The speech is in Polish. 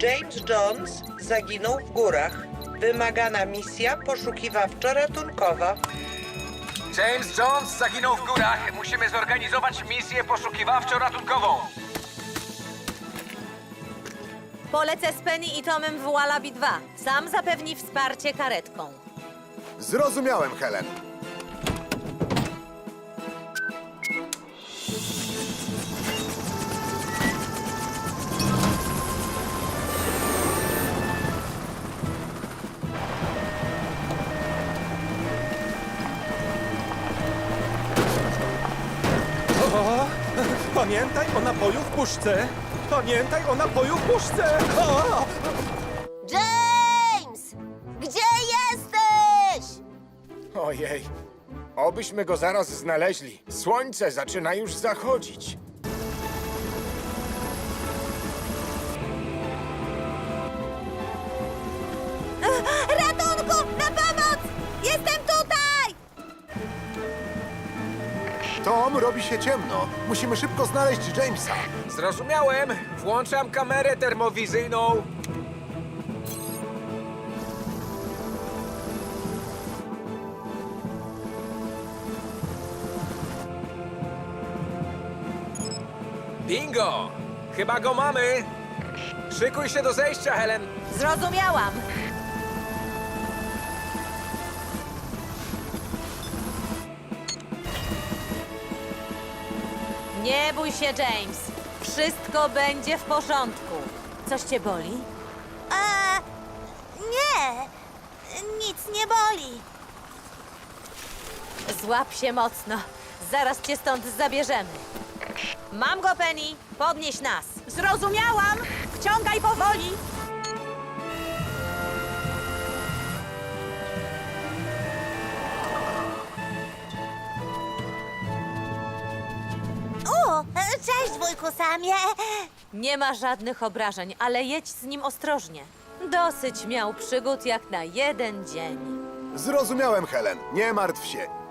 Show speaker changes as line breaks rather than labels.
James Jones zaginął w górach. Wymagana misja poszukiwawczo-ratunkowa.
James Jones zaginął w górach. Musimy zorganizować misję poszukiwawczo-ratunkową.
Polecę z Penny i Tomem w Wallaby 2. Sam zapewni wsparcie karetką.
Zrozumiałem, Helen.
O, pamiętaj o napoju w puszce! Pamiętaj o napoju w puszce! O!
James! Gdzie jesteś?
Ojej, obyśmy go zaraz znaleźli. Słońce zaczyna już zachodzić.
Ratunku! Na pomoc! Jestem tutaj!
Tom, robi się ciemno. Musimy szybko znaleźć Jamesa.
Zrozumiałem. Włączam kamerę termowizyjną. Bingo! Chyba go mamy. Szykuj się do zejścia, Helen.
Zrozumiałam. Nie bój się, James. Wszystko będzie w porządku. Coś cię boli?
Nie, nic nie boli.
Złap się mocno. Zaraz cię stąd zabierzemy. Mam go, Penny. Podnieś nas. Zrozumiałam. Wciągaj powoli.
Cześć, wujku Samie.
Nie ma żadnych obrażeń, ale jedź z nim ostrożnie. Dosyć miał przygód jak na jeden dzień.
Zrozumiałem, Helen. Nie martw się.